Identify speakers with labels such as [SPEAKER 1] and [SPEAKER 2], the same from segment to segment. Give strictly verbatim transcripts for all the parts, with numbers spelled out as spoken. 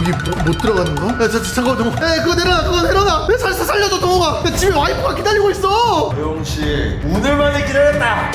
[SPEAKER 1] 여기 뭐, 못 들어가는 거야? 야, 자, 자, 잠깐만, 동호. 야, 그거 내려놔, 그거 내려놔. 야, 살, 살려줘, 동호가. 야, 집에 와이프가 기다리고 있어.
[SPEAKER 2] 조용씨, 오늘만에 기다렸다.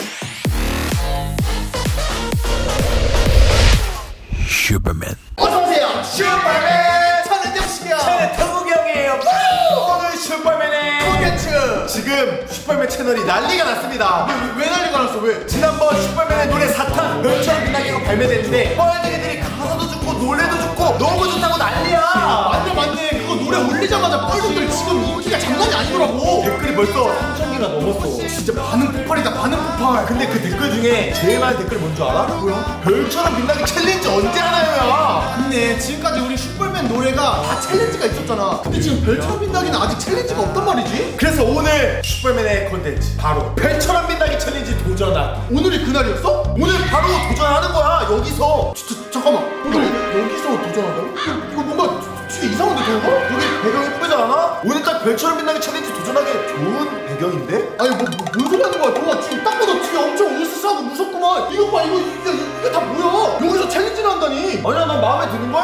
[SPEAKER 3] 슈퍼맨.
[SPEAKER 1] 어서오세요. 슈퍼맨. 저는 영식이요.
[SPEAKER 2] 저는 태국이 형이에요. 오늘 슈퍼맨의 콘텐츠. 지금 슈퍼맨 채널이 난리가 났습니다.
[SPEAKER 1] 왜, 왜 난리가 났어, 왜?
[SPEAKER 2] 지난번 슈퍼맨의 노래 사탄 별처럼 빛나기가 발매됐는데 뻘둥이들이 가사도 좋고 노래도 좋고 너무 좋다고 난리야.
[SPEAKER 1] 맞네, 맞네. 그거 노래 올리자마자 뻘둥이들 지금 인기가 장난이 아니더라고.
[SPEAKER 2] 댓글이 벌써 삼천 개가 넘었어.
[SPEAKER 1] 진짜 반응 폭발이다, 반응 폭발.
[SPEAKER 2] 근데 그 댓글 중에 제일 많은 댓글 뭔 줄 알아?
[SPEAKER 1] 뭐야?
[SPEAKER 2] 별처럼 빛나기 챌린지 언제 하나요야?
[SPEAKER 1] 근데 지금까지 우리 슈퍼맨 노래가 다 챌린지가 있었잖아. 근데 지금 별처럼 빛나기는 아직 챌린지가 없단 말이지?
[SPEAKER 2] 그래서 오늘 슈퍼맨의 콘텐츠 바로 별처럼 빛나기 챌린지 도전하기.
[SPEAKER 1] 오늘이 그날이었어?
[SPEAKER 2] 오늘 바로 도전하는 거야. 여기서
[SPEAKER 1] 저, 저, 잠깐만. 근데 여- 여기서 도전한다고? 이거, 이거 뭔가 되게 이상한데, 동호가?
[SPEAKER 2] 여기 배경 예쁘지 않아? 오늘 딱 별처럼 빛나기 챌린지 도전하기 좋은 배경인데?
[SPEAKER 1] 아니 뭐, 뭐, 뭔 소리 하는 거야, 동호가. 지금 딱 봐도 뒤에 엄청 으스스하고 무섭구만. 이거 봐, 이거 이게, 이게 다 뭐야? 여기서 챌린지를 한다니?
[SPEAKER 2] 아니야, 난 마음에 드는걸?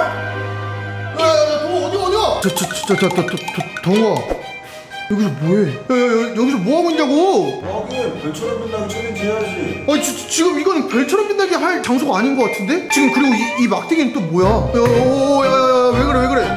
[SPEAKER 1] 야야야, 동호 어디 어디야? 저저저저저 동호가 여기서 뭐해? 야야야, 여기서 뭐 하고 있냐고?
[SPEAKER 2] 하긴 별처럼 빛나기 챌린지 해야지.
[SPEAKER 1] 아니 지, 지금 이거는 별처럼 빛나게 할 장소가 아닌 것 같은데? 지금 그리고 이, 이 막대기는 또 뭐야? 야야야야, 왜 그래 왜 그래?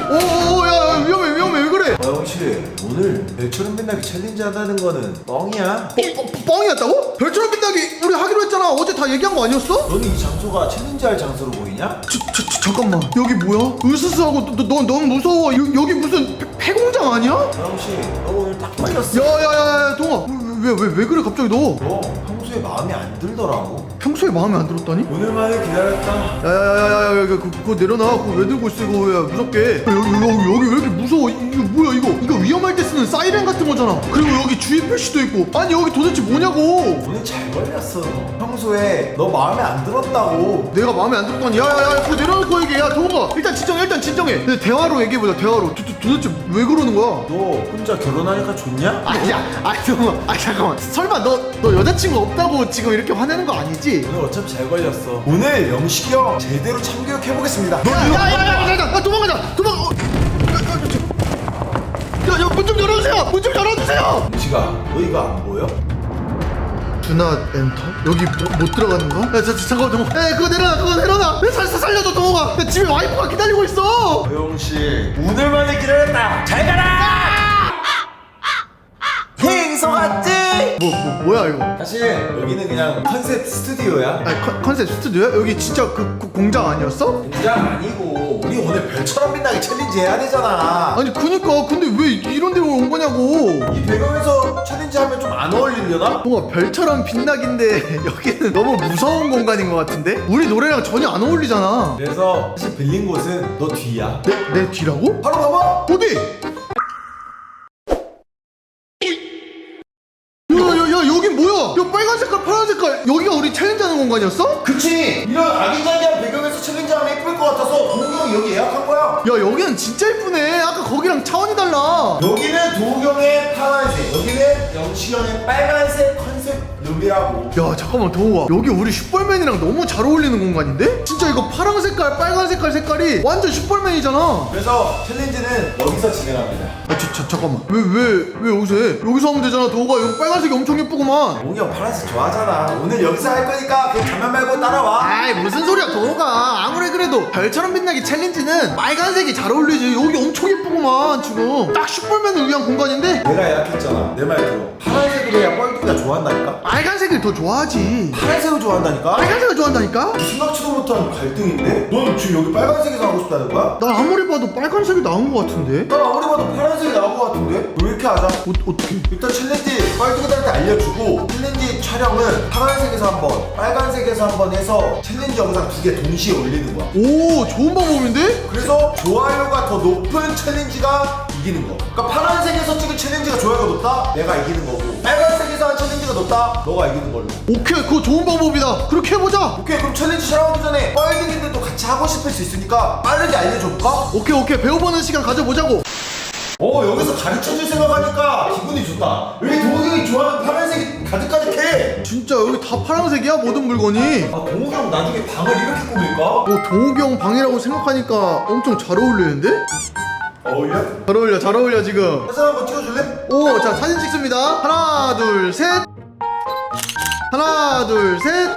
[SPEAKER 1] 오오야, 위험해 위험해, 왜 그래?
[SPEAKER 2] 아영씨, 오늘 별처럼 빛나기 챌린지 한다는 거는 뻥이야.
[SPEAKER 1] 뻥, 뻥, 뻥이었다고? 별처럼 빛나게 우리 하기로 했잖아. 어제 다 얘기한 거 아니었어?
[SPEAKER 2] 너는 이 장소가 챌린지 할 장소로 보이냐?
[SPEAKER 1] 저, 저, 저, 잠깐만, 여기 뭐야? 으스스하고 너, 너, 너무 무서워. 여, 여기 무슨 폐, 폐공장 아니야?
[SPEAKER 2] 아영씨, 너 오늘 딱 걸렸어.
[SPEAKER 1] 야야야야, 동아, 왜 왜 왜 그래 갑자기 너?
[SPEAKER 2] 너 평소에 마음에 안 들더라고.
[SPEAKER 1] 평소에 마음에 안 들었다니?
[SPEAKER 2] 오늘만에 기다렸다.
[SPEAKER 1] 야야야야야, 그거, 그거 내려놔. 그거 왜 들고 있어 이거? 야, 무섭게. 야, 여기, 여기 여기 왜 이렇게 무서워? 이거 뭐야 이거? 이거 위험할 때 쓰는 사이렌 같은 거잖아. 그리고 여기 주의 표시도 있고. 아니 여기 도대체 뭐냐고?
[SPEAKER 2] 오늘 잘 걸렸어. 평소에 너 마음에 안 들었다고.
[SPEAKER 1] 내가 마음에 안 들었다니. 야야야, 그거 내려놓고 얘기해. 야 동호가, 일단 진정해, 일단 진정해. 근데 대화로 얘기해보자. 대화로. 도, 도, 도대체 왜 그러는 거야?
[SPEAKER 2] 너 혼자 결혼하니까 좋냐?
[SPEAKER 1] 아니야, 아니 동호, 아 잠깐만. 설마 너 너 여자친구 없다고 지금 이렇게 화내는 거 아니지?
[SPEAKER 2] 오늘 어차피 잘 걸렸어. 오늘 영식이 형 제대로 참교육해보겠습니다. 너 이거
[SPEAKER 1] 야야야야, 야, 도망가자, 도망. 어, 야, 야, 문 좀 열어주세요. 문 좀 열어주세요.
[SPEAKER 2] 영식아, 너 이거 안 보여?
[SPEAKER 1] 두나 엔터? 여기 뭐, 못 들어가는 거야? 야, 자, 자, 잠깐만, 동호. 야, 그거 내려놔, 그거 내려놔. 야, 살, 살, 살려줘, 동호가. 야, 집에 와이프가 기다리고 있어.
[SPEAKER 2] 영씨, 오늘만에 기다렸다. 잘 가라. 행소 같지?
[SPEAKER 1] 뭐, 뭐, 뭐야 이거?
[SPEAKER 2] 사실 여기는 그냥 컨셉 스튜디오야.
[SPEAKER 1] 아니, 컨, 컨셉 스튜디오야? 여기 진짜 그, 그 공장 아니었어?
[SPEAKER 2] 공장 아니고 우리 오늘 별처럼 빛나게 챌린지 해야 되잖아.
[SPEAKER 1] 아니, 그니까. 근데 왜 이런 데로 온 거냐고.
[SPEAKER 2] 이 배경에서 챌린지 하면 좀 안 어울리려나?
[SPEAKER 1] 동호가, 별처럼 빛나긴데 여기는 너무 무서운 공간인 것 같은데? 우리 노래랑 전혀 안 어울리잖아.
[SPEAKER 2] 그래서 사실 빌린 곳은 너 뒤야.
[SPEAKER 1] 내, 내 뒤라고?
[SPEAKER 2] 바로 봐봐.
[SPEAKER 1] 어디? 야야야, 여긴 뭐야? 야, 빨간 색깔 파란 색깔, 여기가 우리 챌린지 하는 공간이었어?
[SPEAKER 2] 그치. 이런 아기자기한 배경에서 챌린지 하면 예쁠 것 같아서 동욱이 형이 여기 예약한 거야.
[SPEAKER 1] 야, 여기는 진짜 예쁘네. 아까 거기랑 차원이 달라.
[SPEAKER 2] 여기는 도욱이 형의 파란색, 여기는 영식이 형의 빨간색 컨셉 룸이라고.
[SPEAKER 1] 야, 잠깐만, 동호가, 여기 우리 슈퍼맨이랑 너무 잘 어울리는 공간인데? 진짜 이거 파란 색깔 빨간 색깔 색깔이 완전 슈퍼맨이잖아.
[SPEAKER 2] 그래서 챌린지는 여기서 진행합니다.
[SPEAKER 1] 아, 저, 저, 잠깐만, 왜 왜 왜 여기서 해? 여기서 하면 되잖아. 동호가, 여기 빨간색이 엄청 예쁘구만.
[SPEAKER 2] 동욱이 형 파란색 좋아하잖아. 오늘 여기서 할 거니까 그냥 가면 말고 따라와.
[SPEAKER 1] 아이, 무슨 소리야, 동호가. 아무리 그래도 별처럼 빛나기 챌린지는 빨간색이 잘 어울리지. 여기 엄청 예쁘구만. 지금 딱 슈퍼맨을 위한 공간인데?
[SPEAKER 2] 내가 예약했잖아. 내 말 들어. 파란색으로 해야 뻘둥이가 좋아한다니까?
[SPEAKER 1] 빨간색을 더 좋아하지.
[SPEAKER 2] 파란색을 좋아한다니까?
[SPEAKER 1] 빨간색을 좋아한다니까?
[SPEAKER 2] 생각지도 못한 갈등인데? 넌 지금 여기 빨간색에서 하고 싶다는 거야?
[SPEAKER 1] 난 아무리 봐도 빨간색이 나은 것 같은데?
[SPEAKER 2] 난 아무리 봐도 파란색이 나올 것 같은데? 왜 이렇게 하자?
[SPEAKER 1] 어, 어떻게?
[SPEAKER 2] 일단 챌린지 뻘둥이들한테 알려주고 챌린지 촬영은 파란색에서 한번 빨간색에서 한번 해서 챌린지 영상 두 개 동시에 올리는 거야.
[SPEAKER 1] 오, 좋은 방법인데?
[SPEAKER 2] 그래서 좋아요가 더 높은 챌린지가 이기는 거. 그러니까 파란색에서 찍은 챌린지가 좋아요가 높다? 내가 이기는 거고, 빨간색에서 한 챌린지가 높다? 너가 이기는 걸로.
[SPEAKER 1] 오케이, 그거 좋은 방법이다. 그렇게 해보자.
[SPEAKER 2] 오케이, 그럼 챌린지 촬영하기 전에 뻘둥이들도 같이 하고 싶을 수 있으니까 빠르게 알려줘볼까?
[SPEAKER 1] 오케이 오케이, 배워보는 시간 가져보자고.
[SPEAKER 2] 어 여기서 가르쳐줄 생각하니까 기분이 좋다. 여기 동욱이 형이 좋아하는 파란색이 가득가득해.
[SPEAKER 1] 진짜 여기 다 파란색이야 모든 물건이.
[SPEAKER 2] 아 동욱이 형 나중에 방을 이렇게 꾸밀까?
[SPEAKER 1] 어 동욱이 형 방이라고 생각하니까 엄청 잘 어울리는데?
[SPEAKER 2] 어울려?
[SPEAKER 1] 잘 어울려 잘 어울려 지금.
[SPEAKER 2] 사진 한번 찍어줄래?
[SPEAKER 1] 오, 자 사진 찍습니다. 하나, 둘, 셋. 하나, 둘, 셋.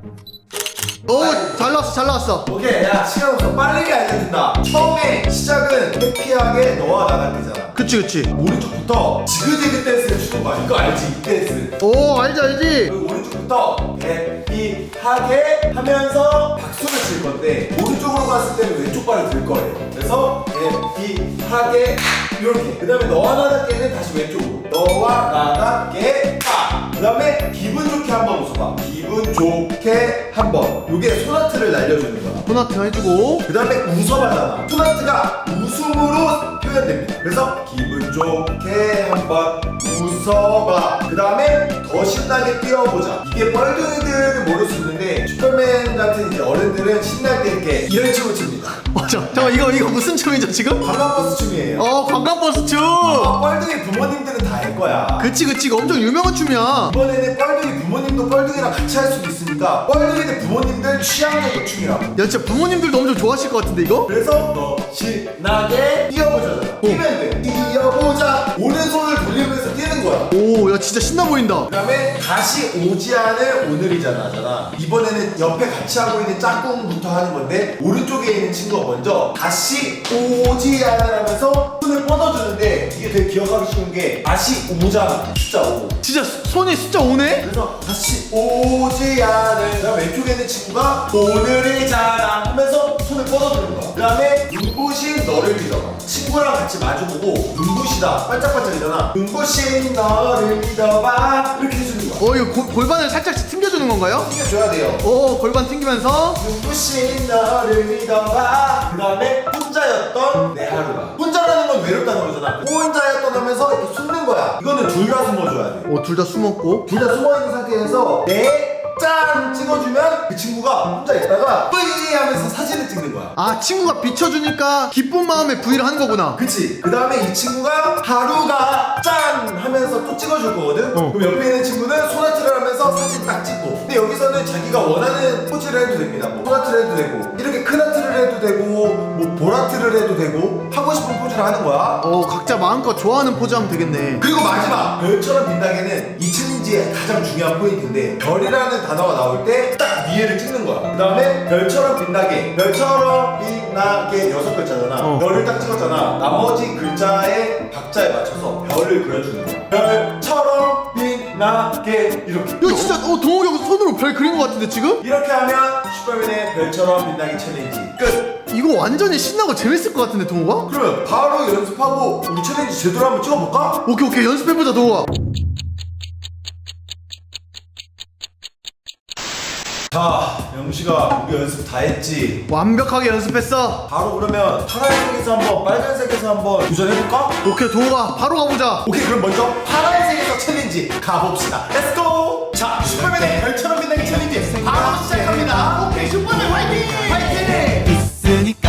[SPEAKER 1] 오, 잘 나왔어, 잘 나왔어.
[SPEAKER 2] 오케이 야 시간 없어 빠르게 알려준다. 처음에 시작은 해피하게 너와 나갈 때잖아.
[SPEAKER 1] 그치, 그치.
[SPEAKER 2] 오른쪽부터 지그재그 댄스를 추는 거야. 이거 알지? 이 댄스.
[SPEAKER 1] 오, 알지, 알지.
[SPEAKER 2] 그리고 오른쪽부터 해피하게 하면서 박수를 칠 건데 오른쪽으로 갔을 때는 왼쪽 발을 들 거예요. 그래서 해피하게 이렇게. 그 다음에 너와 나답게는 다시 왼쪽으로. 너와 나답게 빠. 그 다음에 기분 좋게 한번 웃어봐. 기분 좋게 한번. 요게 소나트를 날려주는 거야.
[SPEAKER 1] 소나트 해주고.
[SPEAKER 2] 그 다음에 웃어봐잖아. 소나트가 웃음으로 표현됩니다. 그래서 기분 좋게 한번 웃어봐. 그 다음에 더 신나게 뛰어보자. 이게 뻘둥이들은 모를 수 있는데 슈퍼맨 같은 이제 어른들은 신날 때 이렇게 이런 춤을 춥니다.
[SPEAKER 1] 맞아. 잠깐 이거 이거 무슨 춤이죠 지금?
[SPEAKER 2] 관광버스 춤이에요.
[SPEAKER 1] 어, 관광버스 춤.
[SPEAKER 2] 아, 뻘둥이 부모님들은 다 알 거야.
[SPEAKER 1] 그치, 그치. 이거 엄청 유명한 춤이야.
[SPEAKER 2] 이번에는 뻘둥이 부모님도 뻘둥이랑 같이 할 수도 있으니까 뻘둥이들 부모님들 취향적인 춤이라고.
[SPEAKER 1] 야, 진짜 부모님들도 엄청 좋아하실 것 같은데 이거?
[SPEAKER 2] 그래서 너 신나게 뛰어보자잖아. 뛰면 돼. 뛰어보자. 오른손을 돌리면서 뛰는 거야.
[SPEAKER 1] 오, 야 진짜 신나 보인다.
[SPEAKER 2] 그 다음에 다시 오지 않을 오늘이잖아 잖아. 이번에는 옆에 같이 하고 있는 짝꿍부터 하는 건데 오른쪽에 있는 친구가 먼저 다시 오지 않을 하면서 손을 뻗어주는데 이게 되게 기억하기 쉬운 게 다시 오자 숫자 오.
[SPEAKER 1] 진짜 손이 숫자 오네?
[SPEAKER 2] 그래서 다시 오지 않을. 그 다음에 왼쪽에 있는 친구가 오늘이잖아 하면서 손을 뻗어주는 거야. 그 다음에 눈부신 너를 믿어봐. 친구랑 같이 마주보고 눈부시다 반짝반짝이잖아. 눈부신 너를 믿어봐 이렇게 해주는 거야.
[SPEAKER 1] 어, 이거 골- 골반을 살짝 튕겨주는 건가요?
[SPEAKER 2] 튕겨줘야 돼요.
[SPEAKER 1] 오, 골반 튕기면서.
[SPEAKER 2] 눈부신 너를 믿어봐. 그 다음에 혼자였던 내 하루가. 혼자라는 건 외롭다는 거잖아. 혼자였던 하면서 이렇게 숨는 거야. 이거는 둘 다 숨어줘야 돼.
[SPEAKER 1] 오, 둘 다 숨었고.
[SPEAKER 2] 둘 다 숨어있는 상태에서 내 짠 찍어주면 그 친구가 혼자 있다가 뿌이 하면서 사진을 찍는 거야.
[SPEAKER 1] 아, 친구가 비춰주니까 기쁜 마음에 V를 하는 거구나.
[SPEAKER 2] 그치? 그 다음에 이 친구가 하루가 짠 하면서 또 찍어줄 거거든?
[SPEAKER 1] 어.
[SPEAKER 2] 그럼 옆에 있는 친구는 소나트를 하면서 사진 딱 찍고. 근데 여기서는 자기가 원하는 포즈를 해도 됩니다. 뭐 소나트를 해도 되고 이렇게 큰 하트를 해도 되고 뭐 보라트를 해도 되고 하고 싶은 포즈를 하는 거야.
[SPEAKER 1] 어, 각자 마음껏 좋아하는 포즈 하면 되겠네.
[SPEAKER 2] 그리고 마지막 별처럼 빛나게는 이 챌린지의 가장 중요한 포인트인데 별이라는 단어가 나올 때 딱 위에를 찍는 거야. 그 다음에 별처럼 빛나게 별처럼 빛나게 여섯 글자잖아.
[SPEAKER 1] 어.
[SPEAKER 2] 별을 딱 찍었잖아. 나머지 글자의 박자에 맞춰서 별을 그려주는 거야. 별처럼 빛나게 이렇게.
[SPEAKER 1] 야, 진짜 어, 동욱이 형 손으로 별 그린 것 같은데 지금?
[SPEAKER 2] 이렇게 하면 슈퍼맨의 별처럼 빛나게 챌린지 끝.
[SPEAKER 1] 이거 완전히 신나고 재밌을 것 같은데 동욱아?
[SPEAKER 2] 그러면 바로 연습하고 우리 챌린지 제대로 한번 찍어볼까?
[SPEAKER 1] 오케이 오케이 연습해보자 동욱아.
[SPEAKER 2] 자, 영식아, 우리 연습 다 했지?
[SPEAKER 1] 완벽하게 연습했어.
[SPEAKER 2] 바로 그러면 파란색에서 한번 빨간색에서 한번 도전해볼까?
[SPEAKER 1] 오케이 동욱아 바로 가보자.
[SPEAKER 2] 오케이, 그럼 먼저 파란색에서 챌린지 가봅시다. 렛츠고! 자, 슈퍼맨의 별처럼 빛나게 챌린지 바로 시작합니다. 오케이, 슈퍼맨 화이팅! 화이팅!
[SPEAKER 3] 있으니까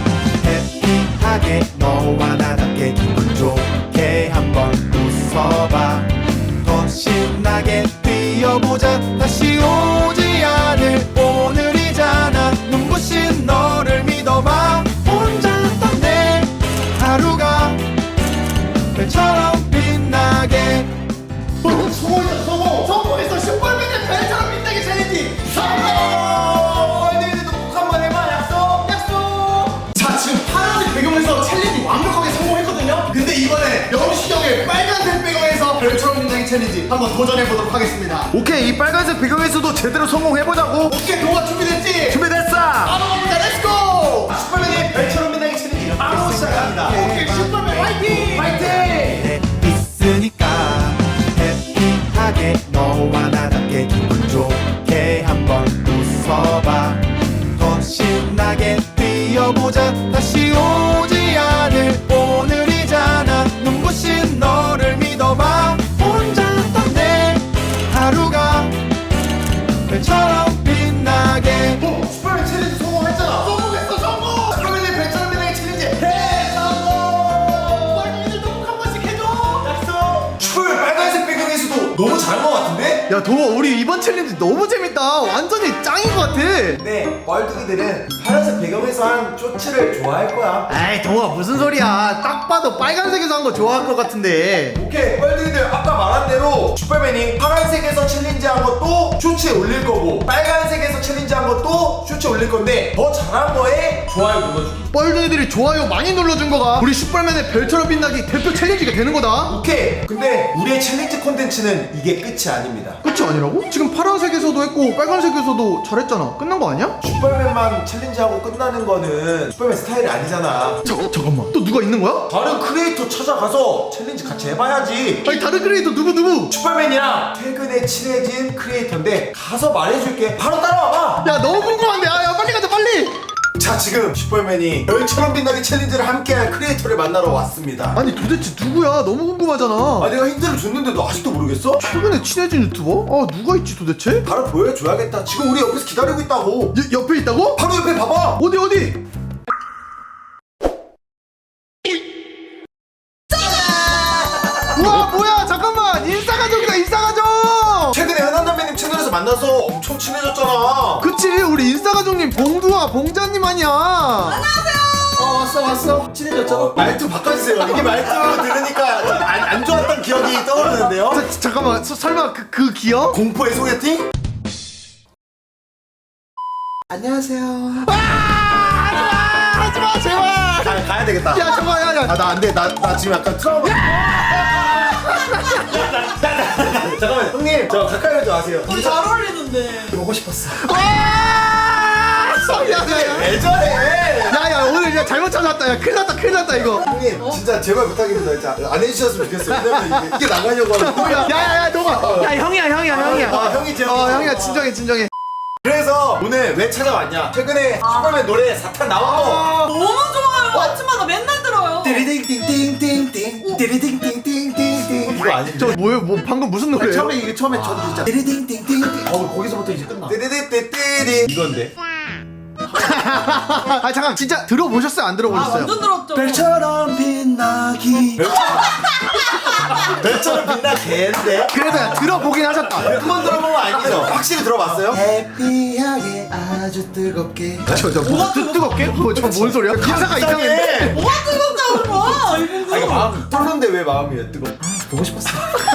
[SPEAKER 3] 해피하게 너와 나답게 기분 좋게 한번 웃어봐. 더 신나게 뛰어보자. 다시 오지 않을 오늘이잖아. 눈부신 너를 믿어봐. 혼자였던 내 하루가 별처럼 빛나게.
[SPEAKER 1] 어, 성공했다 성공. 성공했어. 슈퍼맨의 별처럼 빛나게 챌린지 성공.
[SPEAKER 2] 너희들도 꼭 한번 해봐. 약속!
[SPEAKER 1] 약속. 자 지금 파란색 배경에서 챌린지 완벽하게 성공했거든요. 근데 이번에 영식이 형의 빨간색 배경에서 별처럼 빛나게 챌린지 한번 도전해보도록 하겠습니다.
[SPEAKER 2] 오케이, 이 빨간색 배경에서도 제대로 성공해보자고.
[SPEAKER 1] 오케이 동욱아 준비됐지?
[SPEAKER 2] 준비됐어!
[SPEAKER 1] 바로 가보자. 렛츠고.
[SPEAKER 2] 슈퍼맨의 별처럼 빛나게 챌린지 바로 시작합니다.
[SPEAKER 1] 오케이 슈퍼맨 화이팅.
[SPEAKER 2] 화이팅!
[SPEAKER 3] 있으니까 해피하게 너와 나답게 기분 좋게 한번 웃어봐. 더 신나게 뛰어보자. 다시 오지 않을 오늘이잖아. 눈부신 너를 믿어봐. 혼자였던 내 하루가 별처럼 빛나게.
[SPEAKER 2] 오, 슈퍼맨 챌린지 성공했잖아.
[SPEAKER 1] 성공했어 성공.
[SPEAKER 2] 슈퍼맨의 별처럼 빛나게 챌린지 해!
[SPEAKER 1] 성공. 야 동호 우리 이번 챌린지 너무 재밌다. 완전히 짱인 것 같아.
[SPEAKER 2] 근데 뻘둥이들은 파란색 배경에서 한 쇼츠를 좋아할 거야.
[SPEAKER 1] 에이 동호가 무슨 소리야. 딱 봐도 빨간색에서 한 거 좋아할 것 같은데.
[SPEAKER 2] 오케이, 뻘둥이들 아까 말한 대로 슈퍼맨이 파란색에서 챌린지한 것도 쇼츠에 올릴 거고 빨간색에서 챌린지한 것도 쇼츠에 올릴 건데 더 잘한 거에 좋아요 눌러주기.
[SPEAKER 1] 뻘둥이들이 좋아요 많이 눌러준 거가 우리 슈퍼맨의 별처럼 빛나기 대표 챌린지가 되는 거다.
[SPEAKER 2] 오케이. 근데 우리의 챌린지 콘텐츠는 이게 끝이 아닙니다.
[SPEAKER 1] 끝이 아니라고? 지금 파란색에서도 했고 빨간색에서도 잘했잖아. 끝난 거 아니야?
[SPEAKER 2] 슈퍼맨만 챌린지하고 끝나는 거는 슈퍼맨 스타일이 아니잖아.
[SPEAKER 1] 자, 잠깐만 또 누가 있는 거야?
[SPEAKER 2] 다른 크리에이터 찾아가서 챌린지 같이 해봐야지.
[SPEAKER 1] 아니 다른 크리에이터 누구 누구?
[SPEAKER 2] 슈퍼맨이랑 최근에 친해진 크리에이터인데 가서 말해줄게. 바로 따라와봐.
[SPEAKER 1] 야 너무 궁금한데. 아, 야 빨리 가자 빨리.
[SPEAKER 2] 자, 지금 슈퍼맨이 별처럼 빛나게 챌린지를 함께할 크리에이터를 만나러 왔습니다.
[SPEAKER 1] 아니 도대체 누구야? 너무 궁금하잖아.
[SPEAKER 2] 아, 내가 힌트를 줬는데도 아직도 모르겠어?
[SPEAKER 1] 최근에 친해진 유튜버? 아 누가 있지 도대체?
[SPEAKER 2] 바로 보여줘야겠다. 지금 우리 옆에서 기다리고 있다고.
[SPEAKER 1] 여, 옆에 있다고?
[SPEAKER 2] 바로 옆에 봐봐.
[SPEAKER 1] 어디 어디? 우와 뭐야 잠깐만 인싸가족이다 인싸가족.
[SPEAKER 2] 최근에 현안남매님 채널에서 만나서 엄청 친해졌잖아.
[SPEAKER 1] 그치 우리 인싸가족님 봉두와 봉자님 아니야.
[SPEAKER 2] 어, 왔어 왔어. 친해졌죠? 말투 바꿔주세요. 이게 말투 들으니까 안, 안 좋았던 기억이 떠오르는데요.
[SPEAKER 1] 자, 잠깐만 서, 설마 그, 그 기억?
[SPEAKER 2] 공포의 소개팅? 안녕하세요.
[SPEAKER 1] 아 하지마 하지마 제발.
[SPEAKER 2] 가, 가야 되겠다.
[SPEAKER 1] 야 잠깐 야야
[SPEAKER 2] 아, 나 안 돼. 나, 나 지금 약간 트라우마. 잠깐만, 형님. 저 가까이 오지 마세요.
[SPEAKER 4] 우리 잘 어울리는데.
[SPEAKER 2] 보고 싶었어.
[SPEAKER 1] 야야야
[SPEAKER 2] 왜 저래?
[SPEAKER 1] 야야 오늘 야 잘못 찾았다. 야 큰일 났다 큰일 났다 이거.
[SPEAKER 2] 형님, 진짜 제발 부탁입니다. 진짜 안 해주셨으면 좋겠어요. 왜냐면 이게, 이게 나가려고 하고.
[SPEAKER 1] 야야야 너가 야 형이야 형이야 형이야.
[SPEAKER 2] 아, 형이 제
[SPEAKER 1] 어 형이야 진정해 진정해.
[SPEAKER 2] 그래서 오늘 왜 찾아왔냐? 최근에 슈퍼맨 노래 사탄 나온 거.
[SPEAKER 4] 너무 좋아요. 아침마다 맨날 들어요.
[SPEAKER 2] 띠리딩띵띵띵띵 띠리딩띵띵띵띵 이거 아니지?
[SPEAKER 1] 저 뭐예요? 뭐 방금 무슨 노래예요?
[SPEAKER 2] 처음에 이게 처음에 저도 진짜 띠리딩띵띵띵 어 거기서부터 이제 끝나. 띠리딩띵띵 이건데.
[SPEAKER 1] 아 잠깐 진짜 들어보셨어요? 안
[SPEAKER 4] 아,
[SPEAKER 1] 들어보셨어요?
[SPEAKER 4] 완전 들었죠.
[SPEAKER 2] 별처럼 빛나기. 별처럼 빛나 개인데.
[SPEAKER 1] 그래도 야, 들어보긴 하셨다.
[SPEAKER 2] 한 번 들어본 거 아니죠? 확실히 들어봤어요? 해피하게 아주 뜨겁게.
[SPEAKER 1] 저저 뭐 뜨, 뜨겁게? 뭐저뭔 소리야? 기사가 이상해.
[SPEAKER 4] 뭐가 뜨겁다고 봐. 이분들.
[SPEAKER 2] 아 이거 마음 뚫는데 왜 마음이 왜 뜨거? 보고 싶었어.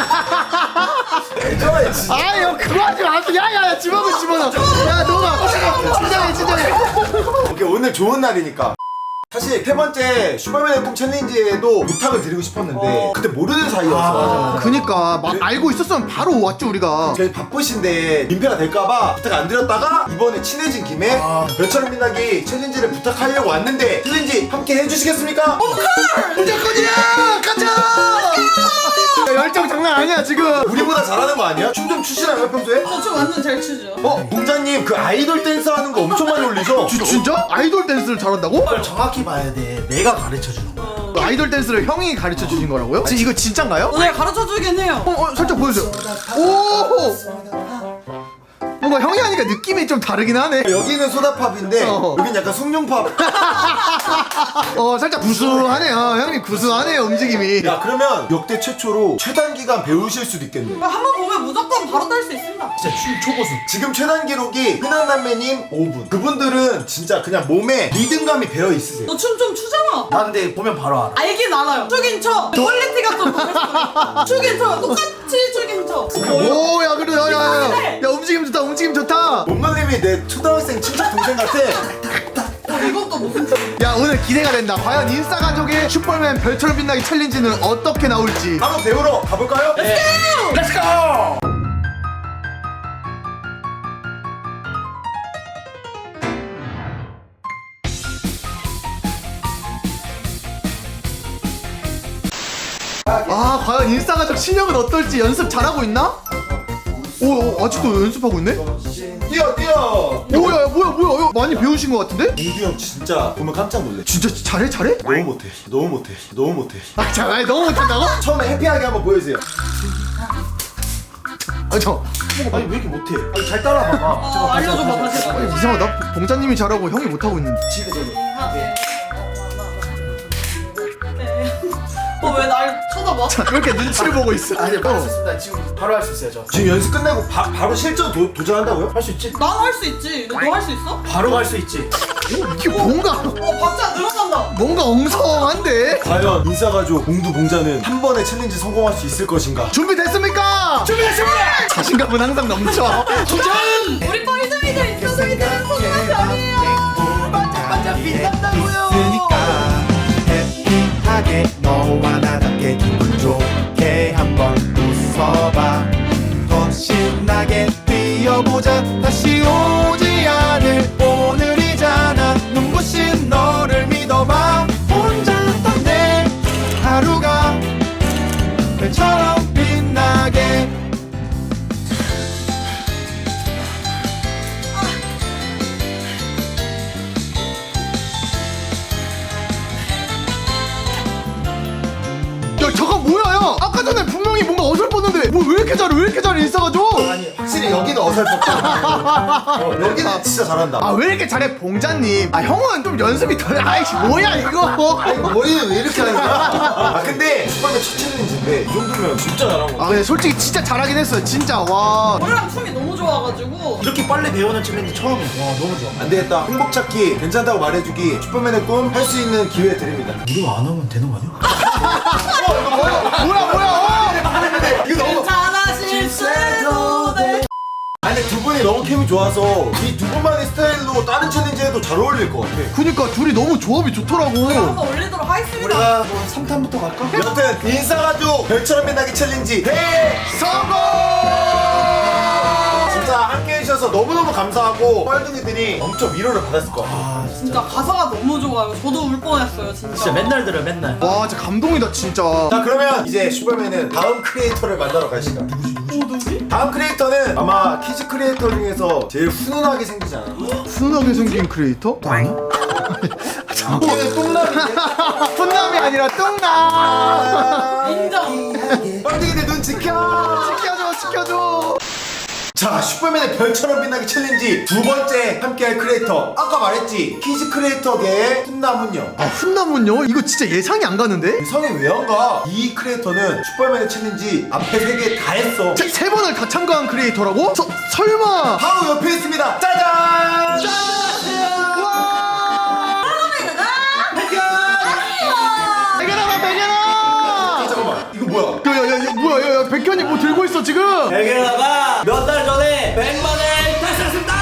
[SPEAKER 2] 애정해 진짜.
[SPEAKER 1] 아유 그거 하지 마세요. 야야야 집어넣어 집어넣어. 야 너가 진정해 진정해.
[SPEAKER 2] 오케이, 오늘 좋은 날이니까. 사실 세 번째 슈퍼맨의 꿈 챌린지에도 부탁을 드리고 싶었는데 그때 모르는 사이였어.
[SPEAKER 1] 그니까 막 알고 있었으면 바로 왔죠 우리가.
[SPEAKER 2] 저희 바쁘신데 민폐가 될까봐 부탁 안 드렸다가 이번에 친해진 김에 별처럼 빛나기 챌린지를 부탁하려고 왔는데 챌린지 함께 해주시겠습니까?
[SPEAKER 1] 무조건이야 가자. 야, 열정 장난 아니야 지금.
[SPEAKER 2] 우리보다 잘하는 거 아니야? 춤 좀 추시나요 평소에?
[SPEAKER 4] 저춤 완전 잘 추죠.
[SPEAKER 2] 어? 봉자님 그 아이돌 댄스 하는 거 엄청 많이 올리죠?
[SPEAKER 1] 지, 진짜? 아이돌 댄스를 잘한다고?
[SPEAKER 2] 정확히 봐야 돼. 내가 가르쳐 주는 거.
[SPEAKER 1] 아이돌 댄스를 형이 가르쳐 주신 거라고요? 지, 이거 진짠가요?
[SPEAKER 4] 오늘 가르쳐 주긴 해요.
[SPEAKER 1] 어, 어 살짝 보여주세요. 오 뭔가 형이 하니까 느낌이 좀 다르긴 하네.
[SPEAKER 2] 여기는 소다팝인데
[SPEAKER 1] 어.
[SPEAKER 2] 여긴 약간 숭늉팝.
[SPEAKER 1] 어 살짝 구수하네요. 형님 구수하네요 움직임이.
[SPEAKER 2] 야, 그러면 역대 최초로 최단 기간 배우실 수도 있겠네.
[SPEAKER 4] 한번 보면 무조건 바로 딸 수 있습니다.
[SPEAKER 2] 진짜 춤 초고수. 지금 최단 기록이 흔한남매님 오 분. 그분들은 진짜 그냥 몸에 리듬감이 배어 있으세요.
[SPEAKER 4] 너 춤 좀 추잖아.
[SPEAKER 2] 나 근데 보면 바로 알아.
[SPEAKER 4] 알긴 알아요. 추긴 쳐. 퀄리티가 좀 다르죠. 추긴 쳐. 똑같이 추긴 쳐.
[SPEAKER 1] 오야 그래 야야야. 야 움직임 좋다 움직임 좋다.
[SPEAKER 2] 몸놀림이 내 초등학생 친척 동생 같아.
[SPEAKER 4] 어, 이것도 무슨 춤?
[SPEAKER 1] 야 오늘 기대가 된다. 과연 인싸 가족의 슈퍼맨 별처럼 빛나기 챌린지는 어떻게 나올지.
[SPEAKER 2] 한번 배우러 가볼까요? 네. 렛츠고!
[SPEAKER 1] 아 과연 인싸 가족 실력은 어떨지 연습 잘하고 있나? 오, 오 아직도 연습하고 있네?
[SPEAKER 2] 뛰어 뛰어!
[SPEAKER 1] 오야 뭐야 뭐야 이거 많이 배우신 것 같은데?
[SPEAKER 2] 민규 형 진짜 보면 깜짝 놀래.
[SPEAKER 1] 진짜 잘해 잘해?
[SPEAKER 2] 너무 못해. 너무 못해. 너무 못해.
[SPEAKER 1] 아 잠깐 아니, 너무 못한다고?
[SPEAKER 2] 처음에 해피하게 한번 보여주세요.
[SPEAKER 1] 아저
[SPEAKER 2] 아니 왜 이렇게 못해? 아니 잘 따라봐봐.
[SPEAKER 4] 어, 알려줘봐 다시.
[SPEAKER 1] 아니 이상하다. 봉자님이 잘하고 형이 못하고 있는데.
[SPEAKER 2] 집에 저도.
[SPEAKER 4] 어, 왜 날 쳐다봐? 봐.
[SPEAKER 1] 왜 이렇게 눈치를 보고 있어?
[SPEAKER 3] 아니 바로 할 수 있습니다. 지금 바로 할 수 있어요 저.
[SPEAKER 2] 지금 연습 끝내고 바, 바로 실전 도, 도전한다고요?
[SPEAKER 3] 할 수 있지?
[SPEAKER 4] 난 할 수 있지. 너 할 수 있어?
[SPEAKER 3] 바로 할 수 있지.
[SPEAKER 1] 이게 뭔가
[SPEAKER 4] 어, 박자 늘어난다.
[SPEAKER 1] 뭔가 엉성한데?
[SPEAKER 2] 과연 인싸가족 공두봉자는 한 번의 챌린지 성공할 수 있을 것인가?
[SPEAKER 1] 준비됐습니까? 준비됐습니다! 자신감은 항상 넘쳐. 도전!
[SPEAKER 4] 우리 뻘둥이들 인싸둥이들은 소중한 병이에요.
[SPEAKER 3] 반짝반짝 빛난다고요. 있으니까 해피하게 너와 나답게 기분 좋게 한번 웃어봐. 더 신나게 뛰어보자. 다시 오지 않을 오늘이잖아. 눈부신 너를 믿어봐. 혼자였던 내 하루가 별처럼 빛나게.
[SPEAKER 1] 야 잠깐 뭐야 야 아까 전에 분명히 뭔가 어설펐는데 뭐 왜 이렇게 잘해 왜 이렇게 잘해 인싸가지고?
[SPEAKER 2] 아니 확실히 여기는 어설펐다. 어, 여기는 진짜 잘한다.
[SPEAKER 1] 아 왜 이렇게 잘해 봉자님? 아 형은 좀 연습이 덜 아이씨 뭐야 이거?
[SPEAKER 2] 아니 머리는 왜 이렇게 하는 거야? 아 근데 초반에 첫 챌린지인데 이 정도면 진짜 잘한 거.
[SPEAKER 1] 아 근데 솔직히 진짜 잘하긴 했어요 진짜 와.
[SPEAKER 4] 노래랑 춤이 너무 좋아가지고.
[SPEAKER 3] 이렇게 빨리 배우는 챌린지 처음이야. 와 너무 좋아.
[SPEAKER 2] 안 되겠다. 행복 찾기 괜찮다고 말해주기 슈퍼맨의 꿈 할 수 있는 기회 드립니다.
[SPEAKER 3] 우리가 안 하면 되는 거 아니야?
[SPEAKER 1] 뭐야 뭐야 어!
[SPEAKER 2] 이거 너무.
[SPEAKER 4] 괜찮아 실수해도 돼.
[SPEAKER 2] 아니 근데 두 분이 너무 케미 좋아서 이 두 분만의 스타일로 다른 챌린지 해도 잘 어울릴 것 같아.
[SPEAKER 1] 그니까 둘이 너무 조합이 좋더라고.
[SPEAKER 4] 한번 올리도록 하겠습니다.
[SPEAKER 3] 우리가 뭐 삼 탄부터 갈까?
[SPEAKER 2] 여튼 인싸가족 별처럼 빛나기 챌린지 대성공! 진짜 함께 해주셔서 너무너무 감사하고 뻘둥이들이 엄청 위로를 받았을 것 같아요.
[SPEAKER 4] 진짜 가사가 너무 좋아요. 저도 울 뻔했어요 진짜.
[SPEAKER 3] 진짜 맨날 들어 맨날.
[SPEAKER 1] 와 진짜 감동이다 진짜.
[SPEAKER 2] 자 그러면 이제 슈퍼맨은 다음 크리에이터를 만나러 갈 시간.
[SPEAKER 4] 누구지?
[SPEAKER 2] 다음 크리에이터는 아마 키즈 크리에이터 중에서 제일 훈훈하게 생기지 않아?
[SPEAKER 1] 훈훈하게 생긴 크리에이터? 아니?
[SPEAKER 2] 이게 똥남인데?
[SPEAKER 1] 훈남이 아니라 뚱남.
[SPEAKER 4] 인정.
[SPEAKER 2] 뻘둥이들 눈 지켜!
[SPEAKER 1] 지켜줘 지켜줘.
[SPEAKER 2] 자 슈퍼맨의 별처럼 빛나기 챌린지 두 번째 함께할 크리에이터 아까 말했지 키즈 크리에이터계의 훈남훈녀.
[SPEAKER 1] 아 훈남은요? 이거 진짜 예상이 안 가는데?
[SPEAKER 2] 성이 왜 안 가? 이 크리에이터는 슈퍼맨의 챌린지 앞에 세 개 다 했어.
[SPEAKER 1] 세, 세 번을 다 참가한 크리에이터라고? 서, 설마?
[SPEAKER 2] 바로 옆에 있습니다. 짜잔!
[SPEAKER 1] 백연아 백연아!
[SPEAKER 2] 잠깐만 이거 뭐야?
[SPEAKER 1] 야야야 뭐야 야야 백현이 뭐 들고 있어 지금?
[SPEAKER 3] 백일아가 몇 달 전에 백만을 달성했습니다.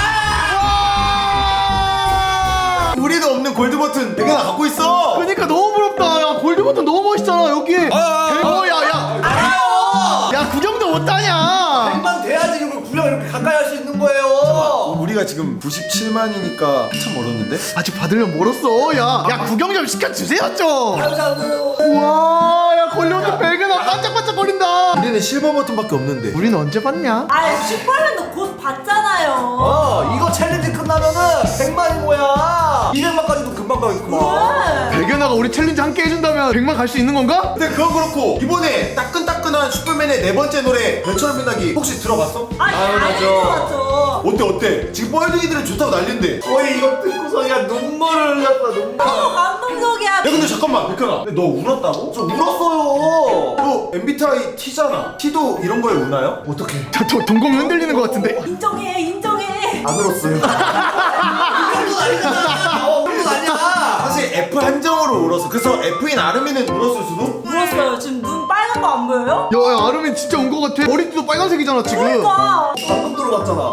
[SPEAKER 2] 우리도 없는 골드 버튼 백연아 갖고 있어.
[SPEAKER 1] 그러니까 너무 부럽다. 야 골드 버튼 너무 멋있잖아 여기. 어 야야.
[SPEAKER 3] 알아요.
[SPEAKER 1] 야 구경도 못하냐?
[SPEAKER 3] 백만 돼야지 이걸 구경 이렇게 가까이 할 수 있는 거예요.
[SPEAKER 2] 우리가 지금 구십칠만이니까 한참 멀었는데?
[SPEAKER 1] 아직 받으려면 멀었어. 야, 야 구경 좀 시켜주세요 좀.
[SPEAKER 3] 감사하고요.
[SPEAKER 1] 우와, 야 걸려도 백연아 반짝반짝거린다.
[SPEAKER 2] 우리는 실버 버튼밖에 없는데.
[SPEAKER 1] 우리는 언제 봤냐?
[SPEAKER 5] 아, 슈퍼맨도 곧 봤잖아요.
[SPEAKER 3] 어 이거 챌린지 끝나면은 백만이 뭐야? 이백만까지도 금방 가겠구만.
[SPEAKER 1] 백연아가 우리 챌린지 함께 해준다면 백만 갈 수 있는 건가?
[SPEAKER 2] 근데 그건 그렇고 이번에 따끈따끈한 슈퍼맨의 네 번째 노래 별처럼 빛나기 혹시 들어봤어?
[SPEAKER 5] 아니,
[SPEAKER 3] 아유,
[SPEAKER 5] 아니,
[SPEAKER 3] 맞아.
[SPEAKER 5] 맞죠.
[SPEAKER 2] 어때 어때? 지금 뻘둥이들은 좋다고 난린데.
[SPEAKER 3] 거의 이거 듣고서야 눈물을 흘렸다 눈물.
[SPEAKER 5] 너무 감동적이야.
[SPEAKER 2] 야 근데 잠깐만 백현아 근데 너 울었다고?
[SPEAKER 3] 저 울었어요.
[SPEAKER 2] 너 엠비티아이 T잖아. T도 이런 거에 우나요? 어떡해.
[SPEAKER 1] 저, 저 동공이 흔들리는 것 같은데.
[SPEAKER 5] 인정해, 인정해.
[SPEAKER 2] 안 울었어요.
[SPEAKER 3] 이 정도는 아니잖아. 어, 이 정도는 아니야.
[SPEAKER 2] 사실 F 한정으로 울었어. 그래서 F인 아름이는 울었을 수도?
[SPEAKER 5] 울었어요. 지금 눈 빨간 거 안 보여요?
[SPEAKER 1] 야, 야 아름이 진짜 온 것 같아. 머리띠도 빨간색이잖아 지금.
[SPEAKER 5] 그러니까.
[SPEAKER 3] 방금 들어갔잖아.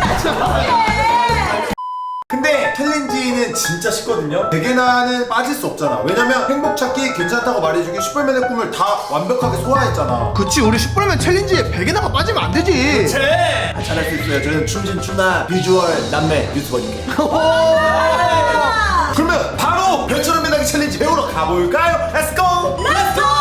[SPEAKER 2] 근데 챌린지는 진짜 쉽거든요. 백예나는 빠질 수 없잖아. 왜냐면 행복 찾기 괜찮다고 말해주기 슈퍼맨의 꿈을 다 완벽하게 소화했잖아.
[SPEAKER 1] 그치 우리 슈퍼맨 챌린지에 백연아가 빠지면 안 되지.
[SPEAKER 3] 제.
[SPEAKER 2] 아, 잘할 수 있어요. 저는 춤신 춤나 비주얼 남매 유튜버니까. 그러면 바로 별처럼 빛나기 챌린지 배우러 가볼까요? Let's go!
[SPEAKER 5] Let's go!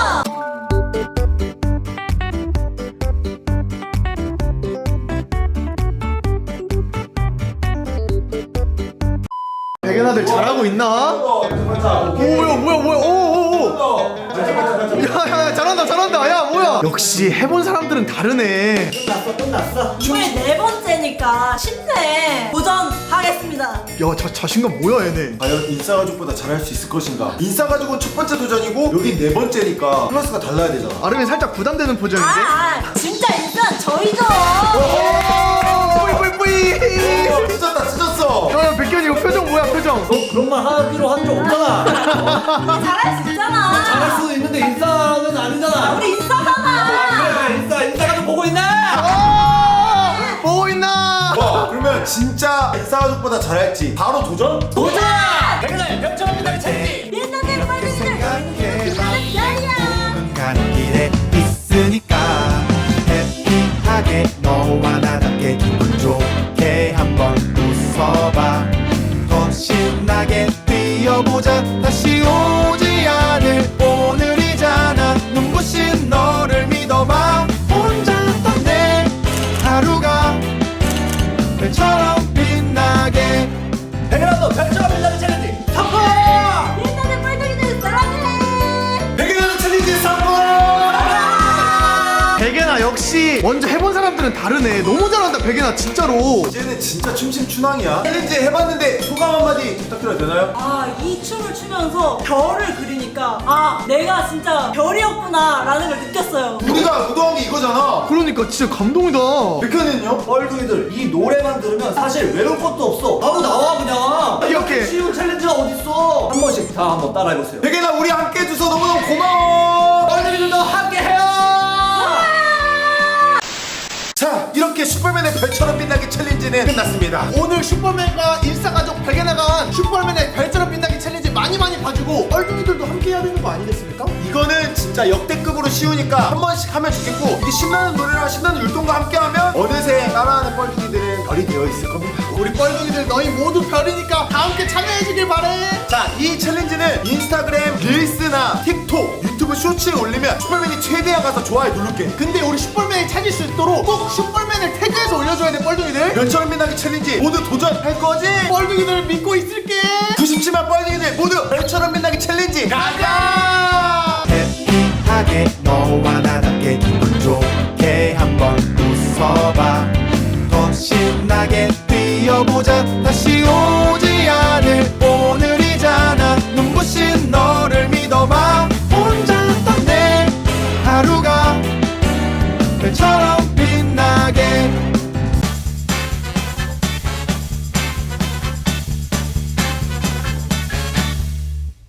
[SPEAKER 1] 백연아들 잘하고 있나? 오 뭐야 뭐야 뭐야 오오오. 야야야 잘한다 잘한다. 야 뭐야? 역시 해본 사람들은 다르네.
[SPEAKER 3] 끝났어 끝났어.
[SPEAKER 5] 이번에 네 번째니까 쉽네. 도전하겠습니다.
[SPEAKER 1] 야, 자, 자신감 뭐야 얘네.
[SPEAKER 2] 과연 인싸가족보다 잘할 수 있을 것인가? 인싸가족은 첫 번째 도전이고 여기 네 번째니까 클래스가 달라야 되잖아.
[SPEAKER 1] 아름이 살짝 부담되는
[SPEAKER 5] 아,
[SPEAKER 1] 표정인데.
[SPEAKER 5] 아 진짜 인싸 저희죠.
[SPEAKER 1] 뿌이뿌이뿌이.
[SPEAKER 2] 어, 찢었다 찢었어.
[SPEAKER 1] 야, 백현이 이거 표정 뭐야 표정.
[SPEAKER 3] 너 그런 말 하기로 한 적 없잖아.
[SPEAKER 5] 우리 잘할 수 있잖아.
[SPEAKER 3] 잘할 수도 있는데 인싸는 아니잖아.
[SPEAKER 5] 우리 인싸잖아.
[SPEAKER 3] 그래 인싸 인싸가 좀 보고 있네.
[SPEAKER 1] 아, 보고 있나?
[SPEAKER 2] 와 그러면 진짜 인싸가족보다 잘할지 바로 도전?
[SPEAKER 3] 도전! 백은하의 별처럼이다 챌린지.
[SPEAKER 5] 옛날에 빨리들 별이야.
[SPEAKER 6] 가는 길에 있으니까 해피하게 너와 나답게 기분 좋게 한번 웃어봐. 더 신나게 뛰어보자. 다시 오지 않을 오늘이잖아. 눈부신 너를 믿어봐. 혼자였던 내 하루가 별처럼 빛나게.
[SPEAKER 3] 백은하 너 별처럼이다 챌린지 성공!
[SPEAKER 5] 옛날에 빨리들 사랑해.
[SPEAKER 2] 백일하는 챌린지 성공!
[SPEAKER 1] 백현아 역시 먼저 해본 사람들은 다르네. 너무 잘한다 백현아 진짜로.
[SPEAKER 2] 이제는 진짜 춤심춘왕이야. 챌린지 해봤는데 소감 한마디 부탁드려도 되나요?
[SPEAKER 5] 아, 이 춤을 추면서 별을 그리니까 아, 내가 진짜 별이었구나 라는 걸 느꼈어요.
[SPEAKER 2] 우리가 무도한 게 이거잖아.
[SPEAKER 1] 그러니까 진짜 감동이다.
[SPEAKER 2] 백현이는요?
[SPEAKER 3] 뻘둥이들 이 노래만 들으면 사실 외울 것도 없어. 바로 나와 그냥.
[SPEAKER 1] 이렇게.
[SPEAKER 3] 쉬운 챌린지가 어딨어. 한 번씩 다 한번 따라해보세요.
[SPEAKER 2] 백현아 우리 함께 해줘서 너무너무 고마워.
[SPEAKER 3] 뻘둥이들도 함께해요.
[SPEAKER 2] 자 이렇게 슈퍼맨의 별처럼 빛나게 챌린지는 끝났습니다.
[SPEAKER 1] 오늘 슈퍼맨과 인싸가족 백현아가 한 슈퍼맨의 별처럼 빛나기 챌린지 많이 많이 봐주고 얼둥이들도 함께 해야 되는 거 아니겠습니까?
[SPEAKER 2] 이거는 진짜 역대급으로 쉬우니까 한 번씩 하면 좋겠고 이게 신나는 노래랑 신나는 율동과 함께하면 어느새 따라하는 뻘둥이들은 별이 되어 있을 겁니다.
[SPEAKER 1] 우리 뻘둥이들 너희 모두 별이니까 다 함께 참여해주길 바래.
[SPEAKER 2] 자, 이 챌린지는 인스타그램 릴스나 틱톡, 유튜브 쇼츠에 올리면 슈퍼맨이 최대한 가서 좋아요 누를게.
[SPEAKER 1] 근데 우리 슈퍼맨이 찾을 수 있도록 꼭 슈퍼맨을 태그해서 올려줘야 돼 뻘둥이들.
[SPEAKER 2] 별처럼 빛나게 챌린지 모두 도전할 거지?
[SPEAKER 1] 뻘둥이들 믿고 있을게.
[SPEAKER 2] 구십칠만 뻘둥이들 모두 별처럼 빛나게 챌린지 가자!
[SPEAKER 6] 해피하게 너와 나답게 기분 좋게 한번 웃어봐. 더 신나게 뛰어보자. 다시